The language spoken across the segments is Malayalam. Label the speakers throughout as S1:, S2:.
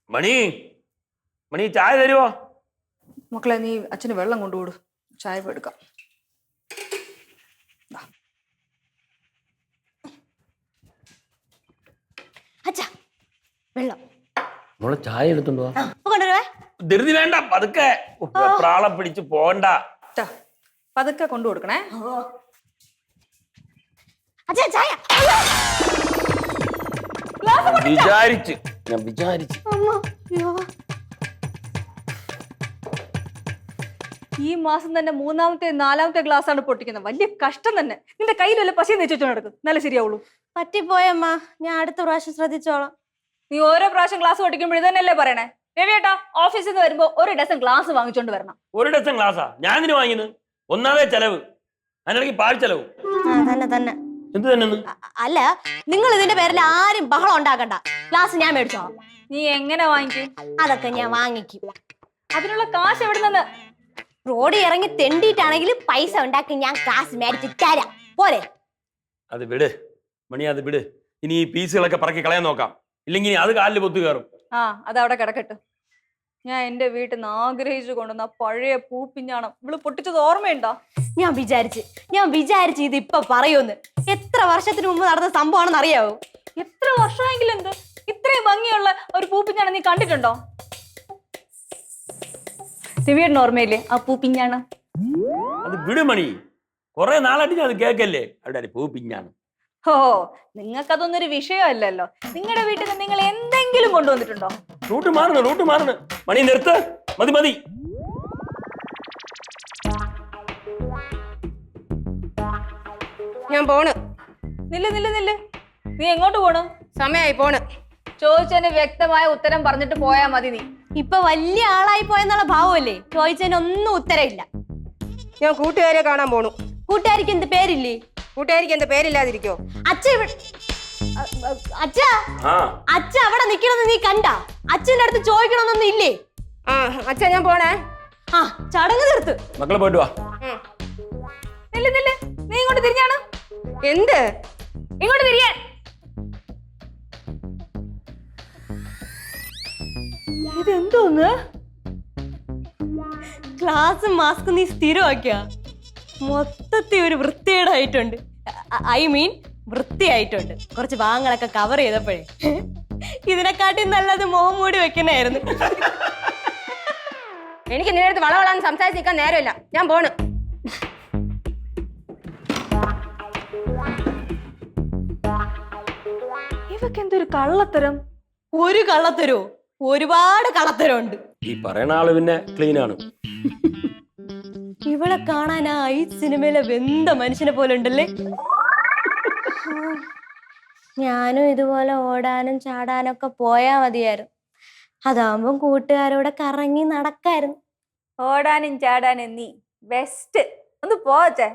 S1: മണി മണി ചായ തരുമോ?
S2: മക്കളെ നീ അച്ഛന് വെള്ളം കൊണ്ടുപോടും, ചായ എടുക്കാം.
S3: അച്ഛാ വെള്ളം
S1: മോളെ ചായ എടുത്തോണ്ട് വാ.
S3: കൊണ്ടുവരുവേ.
S1: ധൃതി വേണ്ട, പതുക്കെ. പ്രാളം പിടിച്ച് പോണ്ട.
S2: പതുക്കെ കൊണ്ടു കൊടുക്കണേ.
S3: അച്ഛാ ചായ.
S1: ഞാൻ വിചാരിച്ചു
S2: ഈ മാസം തന്നെ മൂന്നാമത്തെ നാലാമത്തെ ഗ്ലാസ് ആണ് പൊട്ടിക്കുന്നത്. വലിയ കഷ്ടം തന്നെ. നിന്റെ കയ്യിൽ വല്ല പശയും വെച്ചു നടക്കും, നല്ല ശരിയാവുള്ളൂ.
S3: പറ്റിപ്പോയമ്മ, ഞാൻ അടുത്ത പ്രാവശ്യം ശ്രദ്ധിച്ചോളാം.
S2: നീ ഓരോ പ്രാവശ്യം ഗ്ലാസ് പൊട്ടിക്കുമ്പോൾ ഇതന്നെയല്ലേ പറയണേ? രവിയേട്ടാ, ഓഫീസിൽ നിന്ന് വരുമ്പോ ഒരു ഡസൻ ഗ്ലാസ് വാങ്ങിച്ചോണ്ട് വരണം.
S1: ഒരു ഡസൻ ഗ്ലാസാ ഞാൻ ഇതിന് വാങ്ങിയത്? ഒന്നാമേ ചെലവ്, അതിനിടയ്ക്ക് പാഴ് ചെലവ്.
S3: തന്നെ
S1: എന്ത് തന്നെ?
S3: അല്ല, നിങ്ങൾ ഇതിന്റെ പേരിൽ ആരും ബഹളം ഉണ്ടാക്കണ്ട. ഗ്ലാസ് ഞാൻ മേടിച്ചോളാം.
S2: നീ എങ്ങനെ വാങ്ങിക്കും?
S3: അതൊക്കെ ഞാൻ വാങ്ങിക്കും.
S2: അതിനുള്ള കാശ് എവിടെ നിന്ന്?
S3: റോഡിൽ ഇറങ്ങി തെണ്ടിയിട്ടാണെങ്കിലും പൈസ ഉണ്ടാക്കി ഞാൻ കാശ് മേടിച്ച് തരാം. പോരെ?
S1: അത് വിട് മണി, അത് വിട്. ഇനി ഈ പീസുകളൊക്കെ പറക്കി കളയാൻ നോക്കാം, ഇല്ലെങ്കിൽ അത് കാലിൽ പൊത്തു കയറും.
S2: അതവിടെ കിടക്കട്ടെ. ഞാൻ എന്റെ വീട്ടിൽ നിന്ന് ആഗ്രഹിച്ചു കൊണ്ടുവന്ന പഴയ പൂപ്പിഞ്ഞാണം ഇവള് പൊട്ടിച്ചത് ഓർമ്മയുണ്ടോ?
S3: ഞാൻ വിചാരിച്ചു ഇത് ഇപ്പൊ പറയൂന്ന്. എത്ര വർഷത്തിന് മുമ്പ് നടന്ന സംഭവമാണെന്ന് അറിയാവോ?
S2: എത്ര വർഷമെങ്കിലും എന്ത് ഇത്രയും ഭംഗിയുള്ള ഒരു പൂപ്പിഞ്ഞാണം നീ കണ്ടിട്ടുണ്ടോ? ദിവ്യേട്ടന് ഓർമ്മയില്ലേ ആ പൂപ്പിഞ്ഞാണം?
S1: അത് വിട് മണി, കൊറേ നാളായിട്ട് ഞാൻ അത് കേക്കല്ലേ. അവിടെ പൂപ്പിഞ്ഞാണം.
S2: ഓ, നിങ്ങൾക്കതൊന്നൊരു വിഷയമല്ലല്ലോ. നിങ്ങളുടെ വീട്ടിൽ നിന്ന് നിങ്ങൾ എന്തെങ്കിലും കൊണ്ടുവന്നിട്ടുണ്ടോ?
S1: റൂട്ട് മാറണം മണി, നിർത്ത്. മതി.
S4: ഞാൻ പോണ്.
S2: നില്ല്. നീ എങ്ങോട്ട് പോണു?
S4: സമയായി പോണ്.
S2: ചോദിച്ചതിന് വ്യക്തമായ ഉത്തരം പറഞ്ഞിട്ട് പോയാ മതി. നീ
S3: ഇപ്പൊ വലിയ ആളായി പോയെന്നുള്ള ഭാവമല്ലേ? ചോദിച്ചതിനൊന്നും ഉത്തരവില്ല.
S4: ഞാൻ കൂട്ടുകാരെ കാണാൻ പോണു.
S3: കൂട്ടുകാരിക്ക് എന്ത് പേരില്ലേ?
S4: കൂട്ടുകാരിക്ക് എന്താ പേരില്ലാതിരിക്കോ?
S3: അച്ഛ അവിടെ നിക്കണമെന്ന് നീ കണ്ട? അച്ഛന്റെ അടുത്ത് ചോദിക്കണമെന്നൊന്നും ഇല്ലേ?
S4: അച്ഛാ ഞാൻ പോണേ.
S3: ചടങ്ങ് തീർത്ത്
S1: മക്കളെ പോയിട്ട് വാ.
S2: നില്ല്. നീ ഇങ്ങോട്ട് തിരിഞ്ഞാണ്.
S4: എന്ത്?
S2: ഇങ്ങോട്ട് തിരിയാൻ. ഇതെന്തോന്ന്?
S3: ഗ്ലാസും മാസ്കും നീ സ്ഥിരമാക്കിയ മൊത്തത്തിൽ ഒരു വൃത്തികേടായിട്ടുണ്ട്. I mean വൃത്തിയായിട്ടുണ്ട്. കുറച്ച് ഭാഗങ്ങളൊക്കെ കവർ ചെയ്തപ്പോഴേ ഇതിനെക്കാട്ടി നല്ലത് മുഖം മൂടി വെക്കണായിരുന്നു.
S4: എനിക്ക് നിന്റെ അടുത്ത് വളവളാന്ന് സംസാരിച്ച് നിൽക്കാൻ നേരമില്ല. ഞാൻ പോണ്.
S2: ഇവക്ക് എന്തൊരു കള്ളത്തരം.
S3: ഒരു കള്ളത്തരോ? ഒരുപാട് കള്ളത്തരമുണ്ട്.
S1: ഈ പറയണ ആള് പിന്നെ ക്ലീൻ ആണ്.
S3: ഇവളെ കാണാൻ ആ ഈ സിനിമയിലെ വെന്ത മനുഷ്യനെ പോലെ ഉണ്ടല്ലേ. ഞാനും ഇതുപോലെ ഓടാനും ചാടാനൊക്കെ പോയാ മതിയായിരുന്നു. അതാവുമ്പം കൂട്ടുകാരോടെ കറങ്ങി നടക്കായിരുന്നു.
S2: ഓടാനും ചാടാനും നീ ബെസ്റ്റ്. ഒന്ന് പോച്ചേ.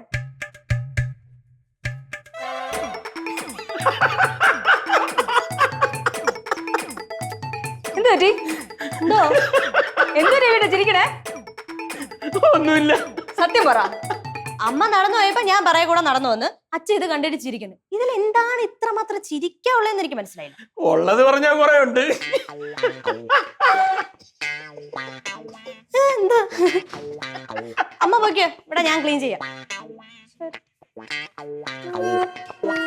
S2: എന്ത് പറ്റി? എന്തോ രവിയുടെ ചിരിക്കണേ?
S1: ഒന്നുമില്ല.
S2: സത്യം പറ.
S3: അമ്മ നടന്നു പോയപ്പോ ഞാൻ പറയ കൂടെ നടന്നു വന്ന് അച്ഛൻ ഇത് കണ്ടിട്ട് ചിരിക്കുന്നു. ഇതിൽ എന്താണ് ഇത്രമാത്രം ചിരിക്കാനുള്ളതെന്ന് എനിക്ക് മനസ്സിലായില്ല.
S1: ഉള്ളത് പറഞ്ഞാ കുറെ ഉണ്ട്.
S3: എന്താ അമ്മ പോയിക്കോ, ഇവിടെ ഞാൻ ക്ലീൻ ചെയ്യാം.